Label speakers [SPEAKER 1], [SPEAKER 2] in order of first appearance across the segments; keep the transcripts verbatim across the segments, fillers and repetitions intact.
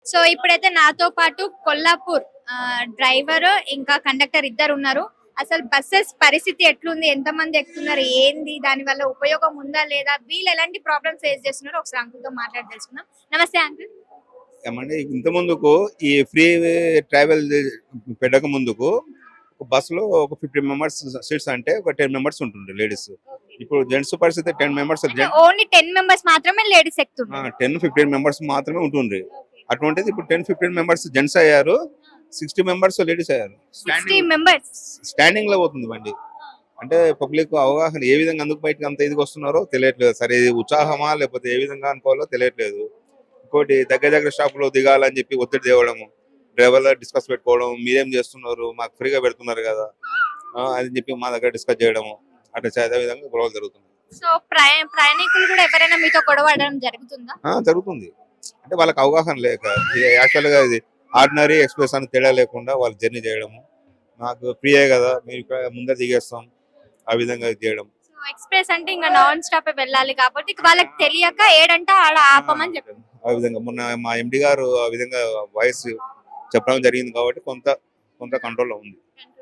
[SPEAKER 1] So ఇప్పుడైతే నాతో పాటు కొల్లాపూర్ ఆహ్, డ్రైవర్ ఇంకా కండక్టర్ ఇద్దరు ఉన్నారు. అసలు బసెస్ పరిస్థితి ఎట్లుంది? ఎంతమంది ఎక్కుతున్నారు? ఏంది? దాని వల్ల ఉపయోగం ఉందా? లేదా? వీళ్ళు ఎలాంటి ప్రాబ్లమ్స్ ఫేస్ చేస్తున్నారో ఒకసారి అంకుల్‌తో మాట్లాడి తెలుసుకుందాం. నమస్తే అంకుల్.
[SPEAKER 2] ఏమండి ఇంత ముందుకు ఈ ఫ్రీ ట్రావెల్ పెట్టక ముందుకు ఒక బస్సులో ఒక ఫిఫ్టీ మెంబర్స్ సీట్స్ అంటే ఒక టెన్ మెంబర్స్ ఉంటుండే లేడీస్. ఇప్పుడు జెంట్స్ పరిస్థితి టెన్ మెంబర్స్
[SPEAKER 1] అంటే ఓన్లీ పది మెంబర్స్ మాత్రమే లేడీస్ ఎక్కుతున్నారు.
[SPEAKER 2] టెన్ ఫిఫ్టీన్ మెంబర్స్ మాత్రమే ఉంటుండ్రి. అటువంటిది ఇప్పుడు టెన్ ఫిఫ్టీన్ మెంబర్స్ జెంట్స్ అయ్యారు, సిక్స్టీ మెంబర్స్ లేడీస్ అయ్యారు.
[SPEAKER 1] సిక్స్టీ మెంబర్స్
[SPEAKER 2] స్టాండింగ్ లో పోతుంది బండి. అంటే పబ్లిక్ అవగాహన ఏ విధంగా అందుకు బయటకు అంత ఇదికి వస్తున్నారో తెలియట్లేదు. సరే ఇది ఉత్సాహమా లేకపోతే ఏ విధంగా అనుకోవాలో తెలియట్లేదు. ఇంకోటి దగ్గర దగ్గర స్టాప్ లో దిగాలని చెప్పి ఒత్తిడి తేవడము, డ్రైవర్ డిస్కస్ పెట్టుకోవడం, మీరేం చేస్తున్నారు మాకు ఫ్రీగా పెడుతున్నారు కదా ఆ, అని చెప్పి మా దగ్గర డిస్కస్ చేయడము, అట్లా అదే విధంగా గొడవలు జరుగుతుంది.
[SPEAKER 1] సో ప్రయా ప్రయాణికులు కూడా ఎవరైనా మీతో గొడవ పడడం జరుగుతుందా?
[SPEAKER 2] ఆ, జరుగుతుంది. అంటే వాళ్ళకి అవగాహన లేక యాక్చువల్ గా ఇది ఆర్డినరీ ఎక్స్ప్రెస్ అని తేడా లేకుండా వాళ్ళు జర్నీ చేయడము, మాకు ఫ్రీయే కదా మీరు ఇక్కడ ముందర దిగేస్తాం ఆ విధంగా ఇది చేయడం.
[SPEAKER 1] సో ఎక్స్‌ప్రెస్ అంటే ఇంకా నాన్ స్టాప్ వెళ్ళాలి కాబట్టి వాళ్ళకి తెలియక ఏడంటే ఆడ ఆపమని చెప్పారు.
[SPEAKER 2] ఆ విధంగా మొన్న మా ఎండి గారు ఆ విధంగా వాయిస్ చెప్పడం జరిగింది కాబట్టి కొంత కొంత కంట్రోల్లో ఉంది.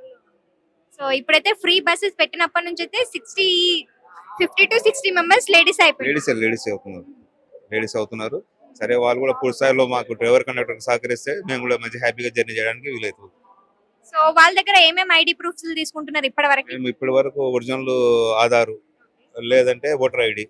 [SPEAKER 1] సో ఇప్పుడైతే ఫ్రీ బస్సెస్ పెట్టినప్పటి నుంచి అయితే sixty fifty to sixty members ladies అయిపోయారు.
[SPEAKER 2] లేడీస్ లేడీస్ అవుతున్నారు లేడీస్ అవుతున్నారు సరే వాళ్ళు కూడా పూర్తి స్థాయిలో మాకు డ్రైవర్ కండక్టర్ సహకరిస్తే మేము కూడా మంచి హ్యాపీగా జర్నీ చేయడానికి వీలవుతుంది.
[SPEAKER 1] సో వాళ్ళ దగ్గర ఏమేమి ఐడి ప్రూఫ్స్ తీసుకుంటున్నారు ఇప్పటి వరకు?
[SPEAKER 2] మేము ఇప్పటి వరకు ఒరిజినల్ ఆధారు లేదంటే ఓటర్ ఐడి,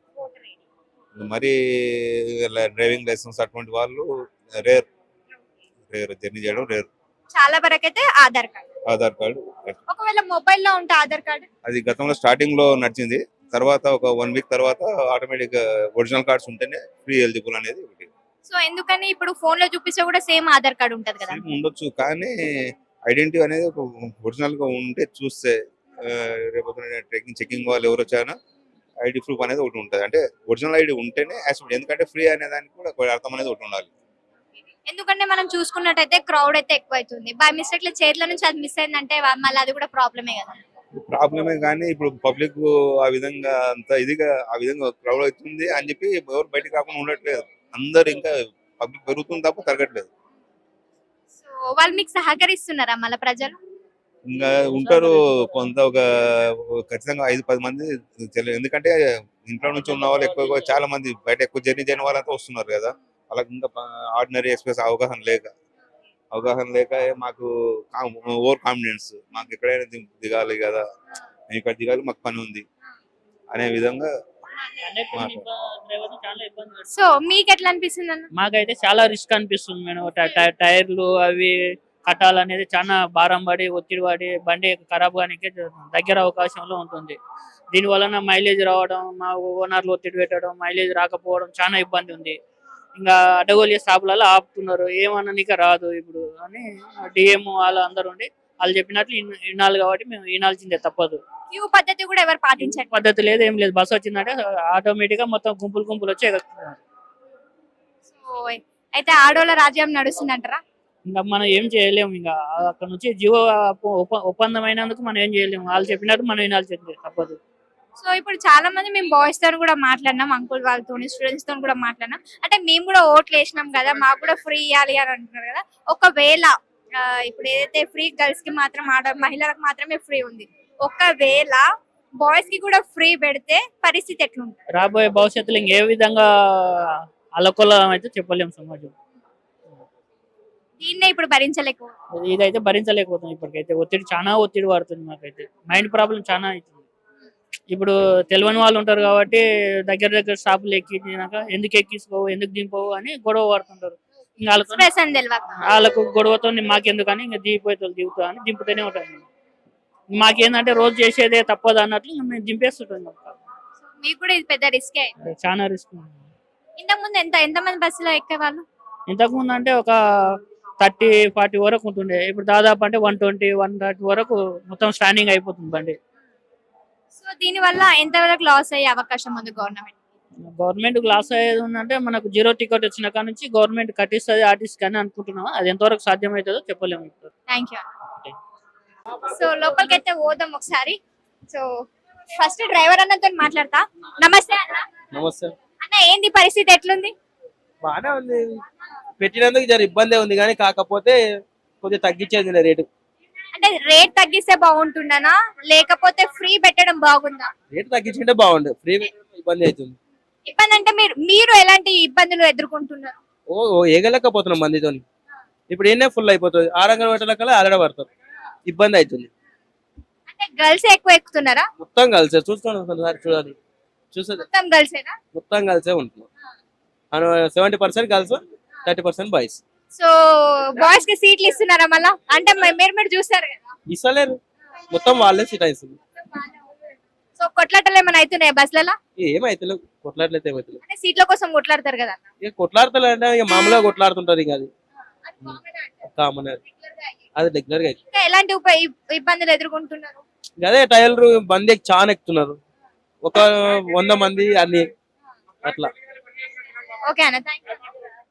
[SPEAKER 2] మరి డ్రైవింగ్ లైసెన్స్ అటువంటి వాళ్ళు రేర్ రేర్ జర్నీ చేయడం రేర్.
[SPEAKER 1] చాలా వరకు అయితే ఆధార్ కార్డ్.
[SPEAKER 2] ఆధార్ కార్డు
[SPEAKER 1] ఒకవేళ మొబైల్ లో ఉంటే ఆధార్ కార్డ్
[SPEAKER 2] అది గతంలో స్టార్టింగ్ లో నడిచింది. తర్వాత ఒక వన్ వీక్ తర్వాత ఆటోమేటిక్ ఒరిజినల్ కార్డ్స్ ఉంటేనే ఫ్రీ ఎలిజిబుల్ అనేది ఒకటి.
[SPEAKER 1] సో ఎందుకని ఇప్పుడు ఫోన్ లో చూపిస్తే కూడా సేమ్ ఆధార్ కార్డ్ ఉంటది కదా?
[SPEAKER 2] సేమ్ ఉండొచ్చు కానీ ఐడెంటిటీ అనేది ఒక ఒరిజినల్ గా ఉంటే చూస్తే రేపు ట్రెకింగ్ చెకింగ్ వాళ్ళు ఎవరు వచ్చారో ఐడి ప్రూఫ్ అనేది ఒకటి ఉంటుంది. అంటే ఒరిజినల్ ఐడి ఉంటేనే యాక్సెప్ట్, ఎందుకంటే ఫ్రీ అనే దానికి కూడా ఒక అర్థం అనేది ఒకటి ఉండాలి.
[SPEAKER 1] ఎందుకంటే మనం చూసుకున్నట్టయితే క్రౌడ్ అయితే ఎక్కువ అవుతుంది. బై మిస్టేక్ లో చేతుల నుంచి అది మిస్ అయిందంటే వా- మళ్ళీ అది కూడా ప్రాబ్లమే కదా.
[SPEAKER 2] ప్రాబ్లమే కానీ ఇప్పుడు పబ్లిక్ ఆ విధంగా అంత ఇదిగా ఆ విధంగా క్రౌడ్ అవుతుంది అని చెప్పి ఎవరు బయటకు రాకుండా ఉండట్లేదు. అందరు ఇంకా పబ్లిక్ పెరుగుతుంది తప్ప తరగట్లేదు.
[SPEAKER 1] సో వాళ్ళు మీకు సహకరిస్తున్నారా మళ్ళీ ప్రజలు?
[SPEAKER 2] ఇంకా ఉంటారు కొంత ఒక ఒక ఖచ్చితంగా ఐదు పది మంది తెలి- ఎందుకంటే ఇంట్లో నుంచి ఉన్న వాళ్ళు ఎక్కువ చాలా మంది బయట ఎక్కువ జర్నీ చేయని వాళ్ళంతా వస్తున్నారు కదా. వాళ్ళకి ఇంకా ఆర్డినరీ ఎక్స్ప్రెస్ అవగాహన లేక అవగాహన లేక మాకు ఓవర్ కాన్ఫిడెన్స్, మాకు ఎక్కడైనా దిం- దిగాలి కదా, మేము ఇక్కడ దిగాలి మాకు పని ఉంది అనే విధంగా మాకు.
[SPEAKER 1] సో మీకు ఎట్లా అనిపిస్తుంది అన్న?
[SPEAKER 3] మాకైతే చాలా రిస్క్ అనిపిస్తుంది మేడం. ట- ట- టైర్లు అవి కట్టాలనేది చాలా భారం పడి ఒత్తిడి పడి బండి ఖరాబ్ కానికి దగ్గర అవకాశంలో ఉంటుంది. దీని వలన మైలేజ్ రావడం, మా ఓనర్లు ఒత్తిడి పెట్టడం, మైలేజ్ రాకపోవడం చాలా ఇబ్బంది ఉంది. ఇంకా అడ్డగోలి స్టాపులలో ఆపుతున్నారు, ఏమననిక రాదు ఇప్పుడు అని డిఎం వాళ్ళు అందరు ఉండి వాళ్ళు చెప్పినట్లు ఇన్- వినాలి కాబట్టి మేము వినాల్సిందే తప్పదు.
[SPEAKER 1] క్యూ పద్ధతి కూడా ఎవరు పాటించండి.
[SPEAKER 3] పద్ధతి లేదు, ఏం లేదు. బస్సు వచ్చిందంటే ఆటోమేటిక్ గా మొత్తం గుంపులు గుంపులు వచ్చి ఎక్కుతున్నారు.
[SPEAKER 1] సో అయితే ఆడోళ్ళ రాజ్యం నడుస్తుందంటారా?
[SPEAKER 3] ఇంకా మనం ఏం చేయలేము. ఇంకా అక్కడ నుంచి జీవ ఒప్ప- ఒప్పందం అయినందుకు మనం ఏం చేయలేము. వాళ్ళు చెప్పినట్టు మనం వినాల్సిందే తప్పదు.
[SPEAKER 1] సో ఇప్పుడు చాలా మంది మేము బాయ్స్ తో కూడా మాట్లాడినాం, అంకుల్ వాళ్ళతో స్టూడెంట్స్ తో కూడా మాట్లాడినాం. అంటే మేము కూడా ఓట్లు వేసినాం కదా, మాకు కూడా ఫ్రీ ఇవ్వాలి అని అంటున్నారు కదా. ఒకవేళ ఆ, ఇప్పుడు ఏదైతే ఫ్రీ గర్ల్స్ కి మాత్రం ఆడ మహిళలకు మాత్రమే ఫ్రీ ఉంది, ఒకవేళ బాయ్స్ కి కూడా ఫ్రీ పెడితే పరిస్థితి ఎట్లుంటుంది?
[SPEAKER 3] రాబోయే భవిష్యత్తులో ఇంకే విధంగా అలకొలం అయితే చెప్పలేము సమాజం.
[SPEAKER 1] దీన్నే ఇప్పుడు భరించలేకు.
[SPEAKER 3] ఇదైతే భరించలేకపోతుంది. ఇప్పటికైతే ఒత్తిడి చాలా ఒత్తిడి పడుతుంది. మాకైతే మైండ్ ప్రాబ్లం చాలా అవుతుంది. ఇప్పుడు తెలియని వాళ్ళు ఉంటారు కాబట్టి దగ్గర దగ్గర స్టాపులు ఎక్కినాక ఎందుకు ఎక్కించుకోవు, ఎందుకు దింపవు అని గొడవ పడుతుంటారు. ఇంకా వాళ్ళతో
[SPEAKER 1] ఎక్స్ప్రెస్ అని తెలియక.
[SPEAKER 3] వాళ్ళకు గొడవతో మాకెందుకు అని ఇంకా దిగిపోతారు, దిగుతా అని దింపుతూనే ఉంటాను. మాకేందంటే రోజు చేసేదే తప్పదు అన్నట్లు ఇంకా మేము దింపేస్తుంటాం.
[SPEAKER 1] సో మీకు కూడా ఇది పెద్ద రిస్కే.
[SPEAKER 3] చాలా రిస్క్.
[SPEAKER 1] ఇంతకు ముందు ఎంత ఎంత మంది బస్సులో ఎక్కేవాళ్ళు?
[SPEAKER 3] ఇంతకు ముందు అంటే ఒక థర్టీ ఫార్టీ వరకు ఉంటుండే. ఇప్పుడు దాదాపు అంటే వన్ ట్వంటీ వన్ థర్టీ వరకు మొత్తం స్టాండింగ్ అయిపోతుంది బండి.
[SPEAKER 1] సో దీని వల్ల ఎంత వరకు లాస్ అయ్యే అవకాశం ఉంది గవర్నమెంట్?
[SPEAKER 3] గవర్నమెంట్ లాస్ అయ్యేది ఉందంటే మనకు జీరో టికెట్ వచ్చిన కాడ నుంచి గవర్నమెంట్ కట్టిస్తుంది ఆర్టిస్ట్ కానీ అనుకుంటున్నాం. అది ఎంతవరకు సాధ్యమవుతుందో చెప్పలేము ఇప్పుడు.
[SPEAKER 1] Thank you. సో లోపలికి అయితే పోదాం ఒకసారి. సో ఫస్ట్ డ్రైవర్ అన్నతో మాట్లాడతా. నమస్తే అన్న.
[SPEAKER 4] నమస్తే.
[SPEAKER 1] అన్న ఏంది పరిస్థితి ఎట్లుంది?
[SPEAKER 4] బాగానే ఉంది. పెట్టినందుకు జర ఇబ్బంది ఉంది కానీ కాకపోతే కొద్దిగా తగ్గించేది రేటు.
[SPEAKER 1] అంటే రేట్ తగ్గిస్తే బాగుంటుందనా లేకపోతే ఫ్రీ పెట్టడం బాగుందా?
[SPEAKER 4] రేటు తగ్గించుకుంటే బాగుండు, ఫ్రీ ఇబ్బంది అవుతుంది.
[SPEAKER 1] ఇబ్బంది అంటే మీరు మీరు ఎలాంటి ఇబ్బందులు ఎదుర్కొంటున్నారు?
[SPEAKER 4] ఓ ఓ ఏగలేకపోతున్నాం మందితోని. ఇప్పుడు ఏనే ఫుల్ అయిపోతుంది, ఆరంగల్ పెట్టలకల్లా ఆలడ పడతారు, ఇబ్బంది అవుతుంది.
[SPEAKER 1] అంటే గర్ల్స్ ఎక్కువ ఎక్కుతున్నారా?
[SPEAKER 4] మొత్తం కలిసే చూస్తాను ఒకసారి చూడాలి, చూసేది
[SPEAKER 1] మొత్తం గర్ల్సేనా?
[SPEAKER 4] మొత్తం కలిసే ఉంటున్నాం. Seventy percent girls, thirty percent boys.
[SPEAKER 1] So boys కి సీట్లు ఇస్తున్నారా మళ్ళా? అంటే మ- మీరు మీరు చూస్తారు కదా.
[SPEAKER 4] ఇస్తలేరు, మొత్తం వాళ్ళే సీట్ ఇస్తుంది.
[SPEAKER 1] సో కొట్లాటలు ఏమైనా అవుతున్నాయి బస్లలో?
[SPEAKER 4] ఏమైతే కొట్లాడలేదు, ఏమైతే
[SPEAKER 1] అంటే సీట్ల కోసం కొట్లాడతారు కదా అన్న.
[SPEAKER 4] ఇక కొట్లాడతలే అంటే ఇక మామూలుగా కొట్లాడుతుంటారు. ఇక అది కామన్, అది రెగ్యులర్ గా.
[SPEAKER 1] ఇంకా ఎలాంటి ఉప ఇబ్- ఇబ్బందులు ఎదుర్కొంటున్నారు?
[SPEAKER 4] ఇక అదే టైలర్ బండి ఎక్కి చాలా ఎక్కుతున్నారు, ఒక వంద మంది అన్ని అట్లా.
[SPEAKER 1] ఓకే అన్న, థ్యాంక్ యూ.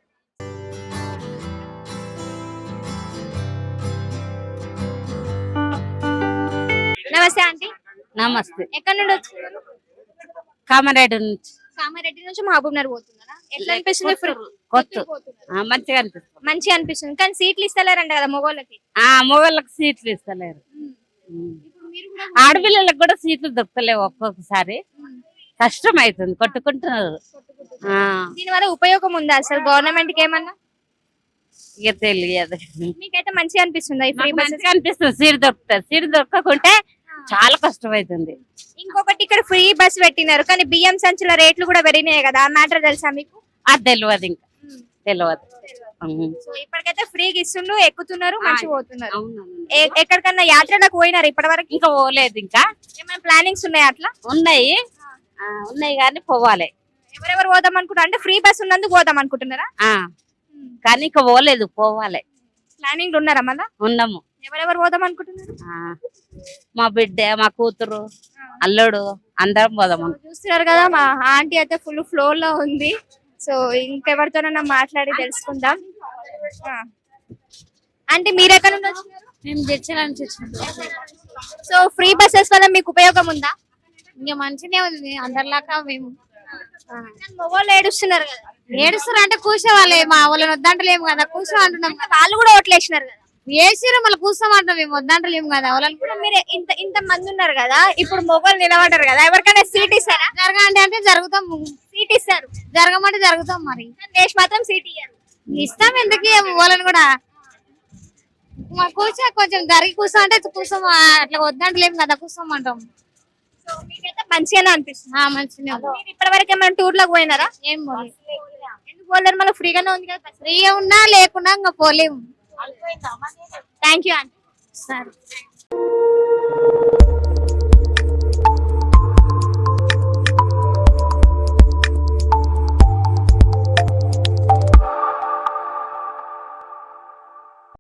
[SPEAKER 1] నమస్తే ఆంటీ.
[SPEAKER 5] నమస్తే.
[SPEAKER 1] ఎక్కడి నుండి వచ్చినారు?
[SPEAKER 5] కామారెడ్డి నుంచి.
[SPEAKER 1] కామారెడ్డి నుంచి మహబూబ్ నగర్ పోతున్నారా? ఎట్లా అనిపిస్తుంది? ఫ్రీ
[SPEAKER 5] కొత్త ఆ, మంచిగా అనిపిస్తుంది.
[SPEAKER 1] మంచిగా అనిపిస్తుంది, కానీ సీట్లు ఇస్తలేరంట కదా మగవాళ్ళకి.
[SPEAKER 5] ఆ మొగళ్ళకి సీట్లు ఇస్తలేరు. ఉమ్.
[SPEAKER 1] ఇప్పుడు మీరు కూడా
[SPEAKER 5] ఆడపిల్లలకు కూడా సీట్లు దొరకలేవు, ఒక్కొక్కసారి కష్టం అవుతుంది, కొట్టుకుంటున్నారు. ఆ,
[SPEAKER 1] దీని వల్ల ఉపయోగం ఉందా అసలు గవర్నమెంట్ కి ఏమన్నా?
[SPEAKER 5] ఇక తెలియదు.
[SPEAKER 1] మీకైతే మంచిగా అనిపిస్తుందా ఈ ఫ్రీ
[SPEAKER 5] మాకు
[SPEAKER 1] బస్?
[SPEAKER 5] మంచిగా అనిపిస్తుంది, సీట్ దొరుకుతుంది. సీట్ దొరకకుంటే చాలా కష్టం అవుతుంది.
[SPEAKER 1] ఇంకొకటి ఇక్కడ ఫ్రీ బస్ పెట్టినారు, కానీ బియ్యం సంచుల రేట్లు కూడా పెరిగినాయి కదా, ఆ మ్యాటర్ తెలుసా మీకు?
[SPEAKER 5] అది తెలియదు, ఇంకా తెలియదు. ఉమ్.
[SPEAKER 1] సో ఇప్పటికైతే ఫ్రీగా ఇస్తుండ్రు, ఎక్కుతున్నారు, మంచిగా పోతున్నారు.
[SPEAKER 5] అవునవును.
[SPEAKER 1] ఏ- ఎక్కడికన్నా యాత్రలకు పోయినారు ఇప్పటి వరకు?
[SPEAKER 5] ఇంకా పోలేదు, ఇంకా
[SPEAKER 1] ఏమైనా ప్లానింగ్స్ ఉన్నాయా అట్లా?
[SPEAKER 5] ఉన్నాయి. ఆ, ఉన్నాయి కానీ పోవాలి.
[SPEAKER 1] ఎవరెవరు పోదాం అనుకుంటారు? అంటే ఫ్రీ బస్ ఉన్నందుకు పోదాం అనుకుంటున్నారా?
[SPEAKER 5] ఆ, కానీ ఇంకా పోలేదు, పోవాలి.
[SPEAKER 1] ప్లానింగ్ ఉన్నారా మళ్ళా?
[SPEAKER 5] ఉన్నాము.
[SPEAKER 1] ఎవరెవరు పోదాం అనుకుంటున్నారు?
[SPEAKER 5] ఆ, మా బిడ్డ, మా కూతురు, అల్లుడు అందరం పోదాం.
[SPEAKER 1] చూస్తున్నారు కదా, మా ఆంటీ అయితే ఫుల్ ఫ్లోర్ లో ఉంది. సో ఇంకెవరితోనన్నా మాట్లాడి తెలుసుకుందాం. ఆ. ఆంటీ మీరు ఎక్కడ నుండి వచ్చినారు?
[SPEAKER 6] మేము జడ్చల నుంచి వచ్చినాం.
[SPEAKER 1] సో ఫ్రీ బస్సెస్ వల్ల మీకు ఉపయోగం ఉందా?
[SPEAKER 6] ఇంకా మంచిగా ఉంది అందరిలాగా మేము.
[SPEAKER 1] మొగోళ్ళు ఏడుస్తున్నారు కదా,
[SPEAKER 6] ఏడుస్తారు అంటే కూర్చోవాలి, మా వాళ్ళని వద్దంటలేము కదా, కూర్చో అంటున్నాం కదా.
[SPEAKER 1] వాళ్ళు కూడా ఓట్లు వేసినారు కదా.
[SPEAKER 6] వేసిరు మళ్ళీ కూర్చోమంటాం, మేము వద్దంటలేము కదా వాళ్ళని.
[SPEAKER 1] ఇప్పుడు మీరు ఇంత ఇంత మంది ఉన్నారు కదా, ఇప్పుడు మొగోళ్ళు నిలబడ్డారు కదా, ఎవరికైనా సీట్ ఇస్తారా?
[SPEAKER 6] జరగండి అంటే జరుగుతాం,
[SPEAKER 1] సీట్ ఇస్తారు,
[SPEAKER 6] జరగమంటే జరుగుతాం. మరి
[SPEAKER 1] దేశ్ మాత్రం సీట్ ఇయ్యారు.
[SPEAKER 6] ఇస్తాం, ఎందుకు ఇయ్యము వాళ్ళని కూడా. మా కూర్చో కొంచెం జరిగి కూర్చో అంటే కూర్చోం, అట్లా వద్దంటలేము కదా, కూర్చోమంటాం.
[SPEAKER 1] సో మీకైతే మంచిగానే అనిపిస్తుంది.
[SPEAKER 6] ఆ, మంచిగా
[SPEAKER 1] మీరు ఇప్పటి వరకు ఏమైనా టూర్ లకు పోయినారా?
[SPEAKER 6] ఏం పోలే.
[SPEAKER 1] ఎందుకు పోలేరు? మళ్ళీ ఫ్రీగానే ఉంది కదా.
[SPEAKER 6] ఫ్రీగా ఉన్నా లేకున్నా ఇంకా పోలేము.
[SPEAKER 1] Thank you aunty.
[SPEAKER 6] సరే.